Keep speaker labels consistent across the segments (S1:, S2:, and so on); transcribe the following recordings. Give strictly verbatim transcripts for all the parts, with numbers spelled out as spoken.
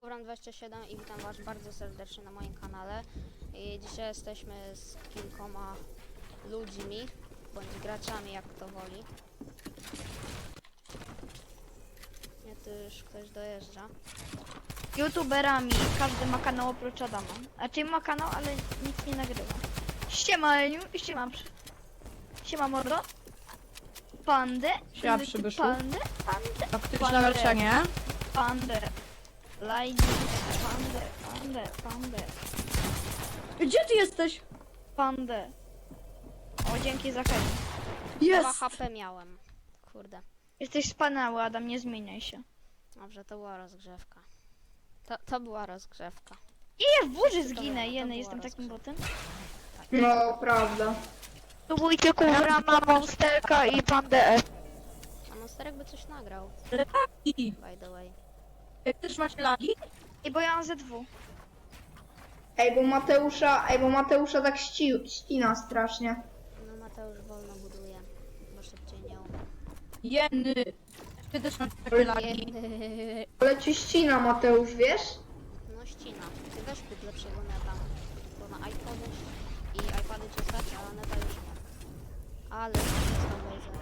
S1: Uran dwadzieścia siedem i witam was bardzo serdecznie na moim kanale. I dzisiaj jesteśmy z kilkoma ludźmi, bądź graczami, jak kto woli. Nie, tu już ktoś dojeżdża.
S2: YouTuberami, każdy ma kanał oprócz Adama. A ty ma kanał, ale nic nie nagrywa. Siema Eniu, siema przy... Siema mordo. Pandę.
S3: Siema przybyszu.
S2: Pandę, pandę.
S3: Taktyczne
S2: Pandę.
S3: leczenie.
S2: Pandę. Lajdy. Pandę, pandę, pandę.
S3: Gdzie ty jesteś?
S2: Pandę. O, dzięki za chęć.
S1: dwa
S3: Jest!
S1: H P miałem. Kurde.
S2: Jesteś wspaniały, Adam, nie zmieniaj się.
S1: Dobrze, to była rozgrzewka. To, to była rozgrzewka.
S2: I ja w burzy
S1: To
S2: zginę,
S1: było-
S2: jeny,
S1: to
S2: jestem
S1: była
S2: takim botem.
S4: No, prawda.
S2: Spróbujcie kurwa, ma monsterka i pandę F.
S1: A Monsterek by coś nagrał,
S3: I
S1: by the way.
S3: jak też masz lagi?
S2: I bo ja mam Z dwa.
S4: Ej, bo Mateusza, ej, bo Mateusza tak ści, ścina strasznie.
S1: No Mateusz wolno buduje, bo szybciej nie umie.
S3: Jeny! Ty też masz takie lagi?
S1: Nie.
S4: Ale ci ścina Mateusz, wiesz?
S1: No ścina. Ty weź kup lepszego neta. Bo na iPhony i iPady cię stać, a neta już nie. Ale to laser.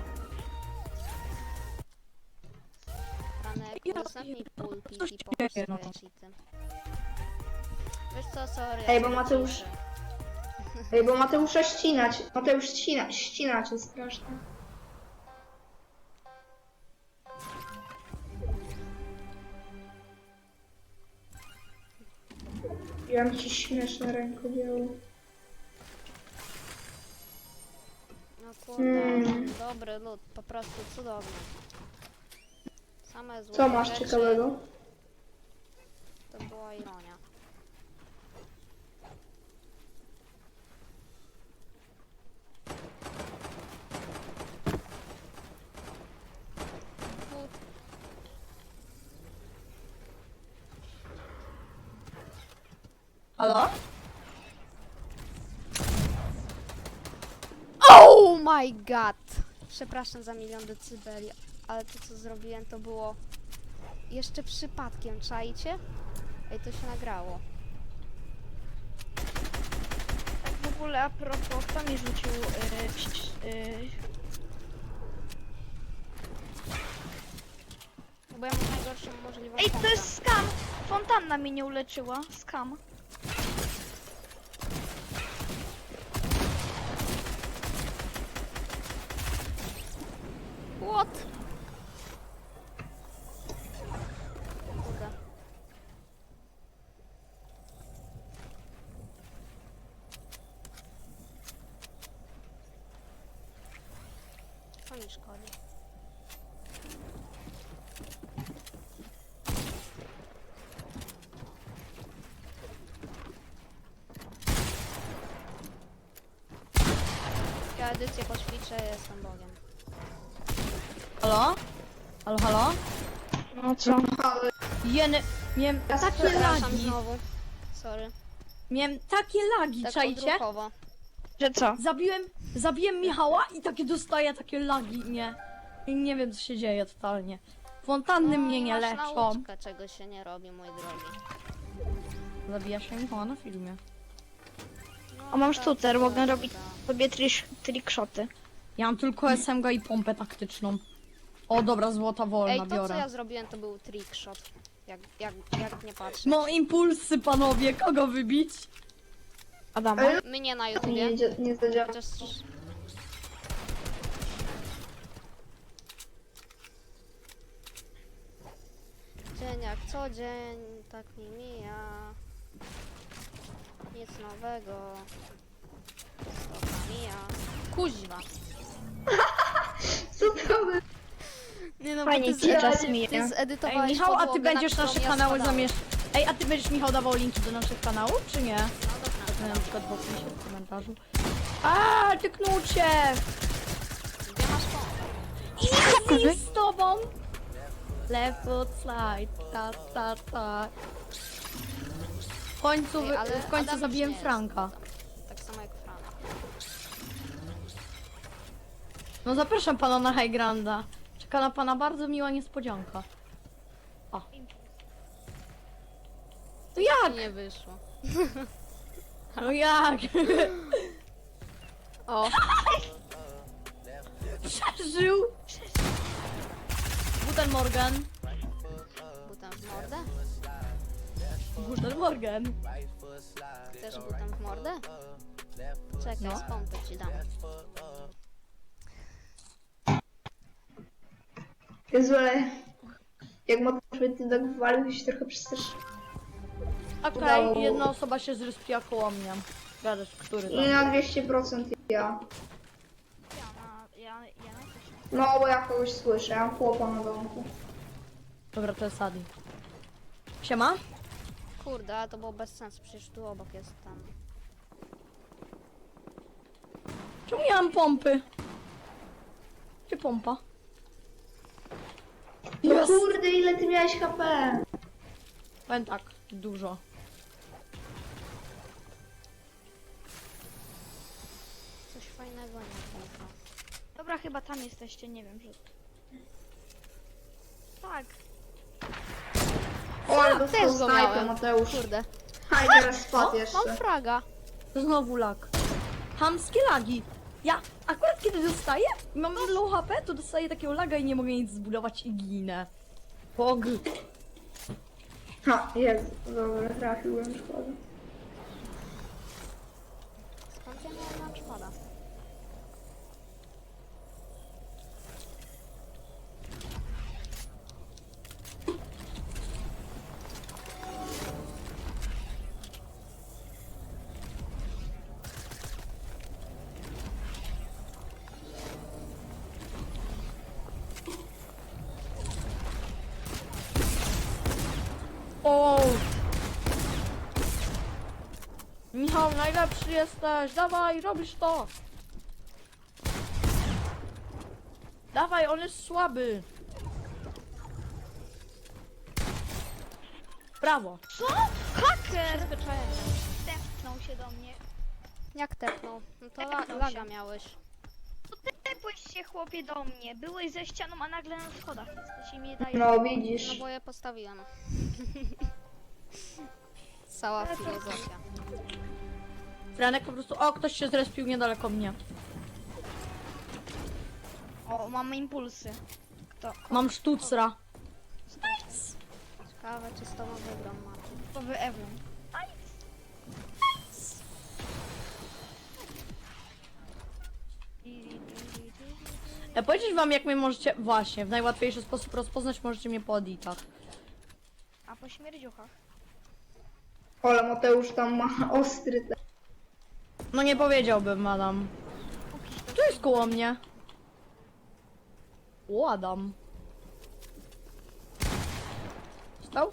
S1: Franek,
S3: Ja
S1: udostępnij
S3: pierdolę,
S1: pulpit
S3: coś
S1: i
S3: się
S1: pokaż
S3: dzieje,
S1: swoje
S3: no.
S1: cheaty. Wiesz co, sorry.
S4: Ej,
S1: ja
S4: bo
S1: sobie
S4: Mateusz-
S1: piszę.
S4: Ej, bo Mateusza ścinać. Mateusz ścina, ścina cię strasznie. Ja mam ci śmieszne rękodzieło.
S1: No kurde,
S4: Mm.
S1: dobry lud, po prostu cudowny. Same złote
S4: Co masz
S1: rzeczy,
S4: ciekawego?
S1: To była ironia. But.
S3: Halo?
S1: Oh my god! Przepraszam za milion decybeli, ale to co zrobiłem to było jeszcze przypadkiem, czajcie? Ej, to się nagrało.
S2: Tak w ogóle a propos, kto mi rzucił yy, psz- yy,
S1: Bo ja mam najgorszą możliwą
S2: Ej, to
S1: pompę.
S2: jest skam! Fontanna mnie nie uleczyła. Skam.
S1: What? Kurde. To mi szkodzi. Ja edycję poćwiczę, jestem Bogiem.
S3: Halo? Halo, halo?
S2: No co?
S3: Jeny! Miałem
S4: Ja
S3: takie
S1: Przepraszam
S3: lagi!
S1: znowu. Sorry.
S3: Miałem takie lagi,
S1: Tak
S3: czajcie?
S1: odruchowo.
S2: Że co?
S3: Zabiłem, zabiłem Michała i takie dostaję takie lagi, nie? I nie wiem co się dzieje totalnie. Fontanny mnie nie
S1: masz
S3: leczą.
S1: nauczkę, czego się nie robi, mój drogi.
S3: Zabija się Michała na filmie.
S1: No,
S2: A mam
S1: tak,
S2: sztucer, mogę
S1: tak,
S2: robić
S1: tak.
S2: sobie trish- trickshoty.
S3: Ja mam tylko S M G i pompę taktyczną. O dobra, złota wolna
S1: Ej, to co
S3: biorę.
S1: ja zrobiłem to był trickshot. Jak, jak, jak nie patrzeć.
S3: No impulsy panowie, kogo wybić?
S2: Adama.
S4: Ale
S1: Mnie na
S4: nie,
S1: YouTubie.
S4: nie, nie zadziała.
S1: Chociaż... Dzień jak co dzień, tak mi mija. Nic nowego. Stopa mija. Kuźwa.
S4: Co to by...
S1: Nie no,
S2: Fajnie
S1: bo
S2: ci
S1: ty,
S2: czas
S1: ty,
S2: mija.
S1: ty
S3: Ej
S1: zedytowałeś
S3: Michał, a ty
S1: podłogę, na
S3: będziesz
S1: którą
S3: nasze
S1: ja
S3: kanały
S1: spadałem.
S3: zamieszczał. Ej, a ty będziesz Michał dawał linki do naszych kanałów, czy nie?
S1: No dobra.
S3: Na przykład w opisie, w komentarzu. A, ty knucie!
S1: Gdzie masz pompę?
S3: Easy z tobą! Left foot slide, ta ta ta. W końcu,
S1: Ej,
S3: wy-
S1: ale
S3: w końcu
S1: Adam
S3: zabiłem
S1: już nie
S3: Franka.
S1: jest. Tak samo jak Frank.
S3: No zapraszam pana na High Granda. Czeka na pana bardzo miła niespodzianka. O. No jak?
S1: Nie wyszło.
S3: No jak?
S1: O,
S3: Przeżył! Guten Morgen.
S1: butem w mordę?
S3: Guten Morgen.
S1: Chcesz butem w mordę? Czekaj,
S3: No.
S1: z pompy ci dam.
S4: Jezu, ale... Jak Mateusz ty tak walił, się trochę przestraszył.
S3: Okej,
S4: Udało.
S3: jedna osoba się zrespiła koło mnie. Gadasz, który
S4: I
S3: tam?
S4: na dwieście procent ja.
S2: Ja na, ja, ja na też.
S4: No, bo ja kogoś słyszę, ja mam chłopa na domku.
S3: Dobra, to jest Adi. Siema?
S1: Kurde, ale to było bez sensu, przecież tu obok jest tam.
S3: Czemu nie mam pompy? Gdzie pompa?
S4: No
S3: Jest!
S4: kurde, ile ty miałeś H P?
S3: Powiem tak, dużo.
S1: Coś fajnego nie pompa.
S2: Dobra, chyba tam jesteście, nie wiem, że... Tak.
S4: O, ale
S1: Też
S4: dostał
S1: go
S4: snajpę,
S1: miałem.
S4: Mateusz.
S1: Kurde.
S4: A i teraz spadł jeszcze.
S1: Mam fraga.
S3: Znowu lag. Hamskie lagi. Ja akurat kiedy dostaję, mam low H P, to dostaję takiego laga i nie mogę nic zbudować i ginę. Pog.
S4: Ha, jest. Dobra, trafiłem, szkoda.
S1: Skąd ja miałem na szkoda?
S3: O! Michał, najlepszy jesteś! Dawaj, robisz to! Dawaj, on jest słaby! Brawo!
S2: Co? Haker!
S1: Przyzwyczajenie.
S2: Tepnął się do mnie.
S1: Jak tepnął? No to la
S2: Tepnął
S1: laga
S2: się.
S1: miałeś.
S2: Tepłeś się, chłopie, do mnie. Byłeś za ścianą, a nagle na schodach jesteś i mi dajesz...
S4: No
S1: No
S4: widzisz.
S1: bo je postawiłem. Cała filozofia.
S3: Franek po prostu... O, ktoś się zrespił niedaleko mnie.
S2: O, mamy impulsy. Kto?
S3: Mam sztucra.
S1: Ciekawe, czy z tobą wygram Mati.
S2: To wy Ewron.
S3: Ja powiedzieć wam, jak mnie możecie... Właśnie, w najłatwiejszy sposób rozpoznać możecie mnie po editach.
S2: A po śmierdziuchach?
S4: Ale Mateusz tam ma ostry te...
S3: No nie powiedziałbym, madam. Tu jest koło mnie. O, Adam. Stał?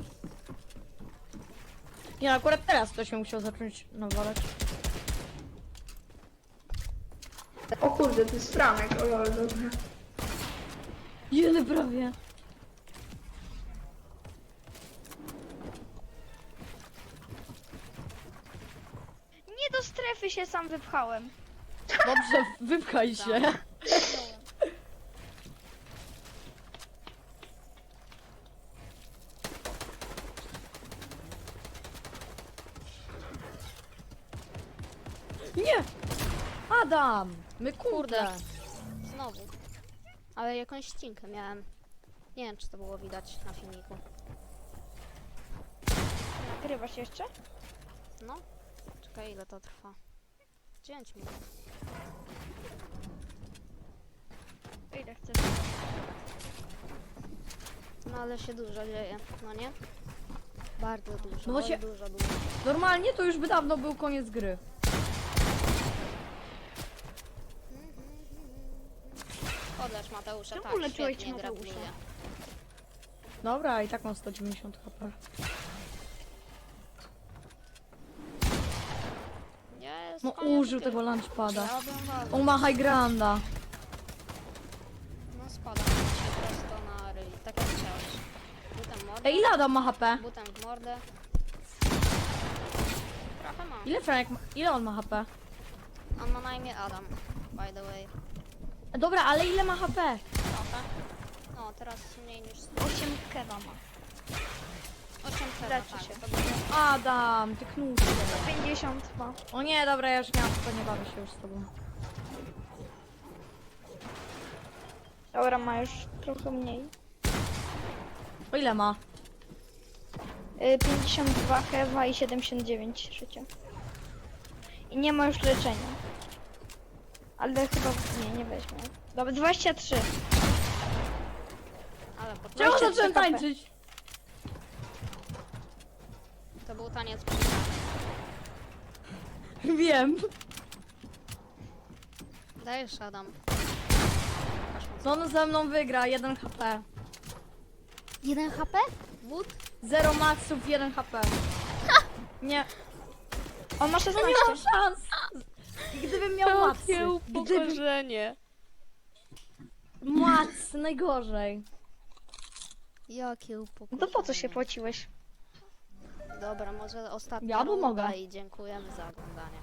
S3: Nie, akurat teraz ktoś mnie musiał zacząć nawalać.
S4: O kurde, to jest Franek, o lol, dobra.
S3: Jeny prawie.
S2: Nie do strefy się sam wypchałem.
S3: Dobrze, wypchaj się. Nie! Adam! My kurde!
S1: Kurde. Znowu. Ale jakąś ścinkę miałem. Nie wiem, czy to było widać na filmiku.
S2: Nagrywasz jeszcze?
S1: No. Czekaj, ile to trwa. dziewięć minut.
S2: To ile chcesz?
S1: No ale się dużo dzieje, no nie? Bardzo dużo,
S3: No bo
S1: oj,
S3: się-
S1: dużo, dużo.
S3: Normalnie to już by dawno był koniec gry.
S1: Podlecz Mateusza,
S2: Czemu
S1: tak,
S2: leczyłeś
S1: świetnie,
S2: Mateusza?
S1: gratuluję.
S3: Dobra, i tak mam sto dziewięćdziesiąt H P.
S1: Jest,
S3: No
S1: koniec
S3: użył
S1: gry.
S3: tego lunchpada.
S1: Chciałabym walnąć.
S3: On ma high granda.
S1: No spadam ci prosto na ryj, tak jak chciałeś. Butem w mordę,
S3: Ej, ile Adam ma H P?
S1: butem w mordę. Trochę ma.
S3: Ile Franek ma? Ile on ma H P?
S1: On ma na imię Adam, by the way.
S3: Dobra, ale ile ma H P?
S1: Trochę. No, teraz mniej niż sto.
S2: osiem kewa ma.
S1: O czym trzeba,
S2: Leczy
S1: tak,
S2: się.
S1: to będzie...
S3: Adam, ty knucie.
S2: pięćdziesiąt ma.
S3: O nie, dobra, ja już miałam, to nie bawię się już z tobą.
S2: Dobra, ma już trochę mniej.
S3: O ile ma?
S2: Y, pięćdziesiąt dwa hewa i siedemdziesiąt dziewięć życia. I nie ma już leczenia. Ale chyba nie, nie weźmie. Dobra, dwadzieścia trzy.
S1: Ale po...
S3: Czemu
S2: dwadzieścia
S3: zacząłem
S2: trzy K P.
S3: tańczyć?
S1: to był taniec.
S3: Wiem.
S1: Dajesz, Adam.
S3: No on ze mną wygra, jeden H P.
S1: jeden H P? Wód?
S3: Zero maxów, jeden H P. Nie,
S2: On ma
S3: no
S2: szesnaście.
S3: nie mam szans. Gdybym miał macy. Gdybym...
S1: upokorzenie.
S3: Mac, najgorzej.
S1: Jakie upokorzenie.
S2: No to po co się płaciłeś?
S1: Dobra, może ostatnia
S3: Ja
S1: runda
S3: pomogę.
S1: i dziękujemy za oglądanie.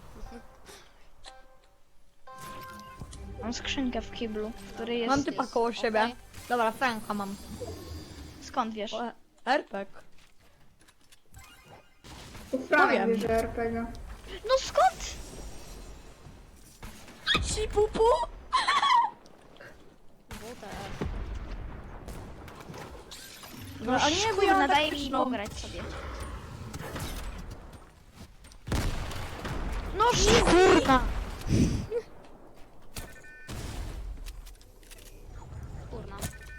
S2: Mam skrzynkę w kiblu, w której jest...
S3: Mam typa koło siebie.
S1: Okej.
S3: Dobra, Franka mam.
S2: Skąd wiesz?
S3: O, R P G.
S4: To Franek
S3: Powiem.
S4: bierze R P G.
S2: No skąd?
S3: Ci pupu?
S1: W T F.
S3: No, a nie, bo ja mam
S2: nadaje mi
S3: taktyczną.
S2: pograć sobie. No kurna!
S1: Kurna.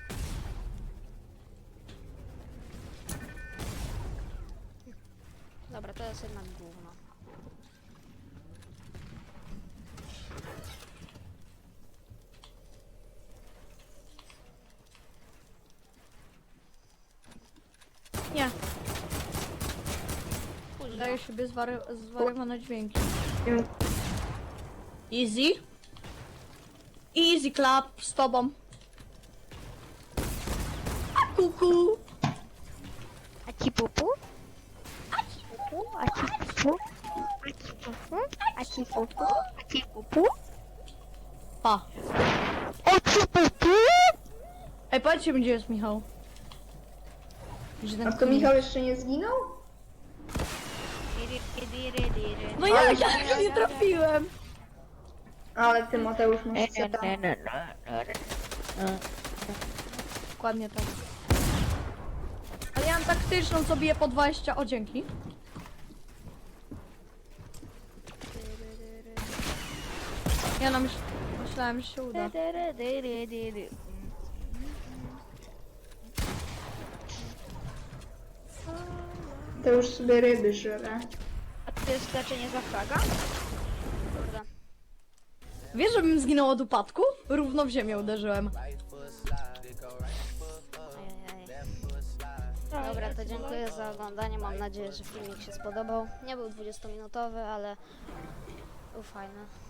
S1: Dobra, to jest jednak gówno.
S3: Nie,
S1: Późno.
S3: daję sobie zwary zwariowane dźwięki.
S4: Nie.
S3: Easy. Easy clap z tobą. A kuku.
S2: A ci pupu? A ci pupu? A ci pupu? A ci pupu? A ci pupu? A ci pupu?
S3: Pa.
S2: A ci pupu?
S3: Ej, powiedzcie mi, gdzie jest Michał. Że ten
S4: A to
S3: kunik-
S4: Michał jeszcze nie zginął?
S3: No ja, ja nie trafiłem.
S4: Ale ty, Mateusz, masz seta.
S3: Dokładnie tak. Ale ja mam taktyczną, co bije po dwadzieścia. O, dzięki. Ja no, myśl... myślałem, że się uda.
S4: To już sobie ryby żre.
S2: A to jest leczenie za fraga?
S1: Kurde.
S3: Wiesz, żebym zginął od upadku? Równo w ziemię uderzyłem.
S1: Ajajaj. Dobra, to dziękuję za oglądanie. Mam nadzieję, że filmik się spodobał. Nie był dwudziestominutowy, ale był fajny.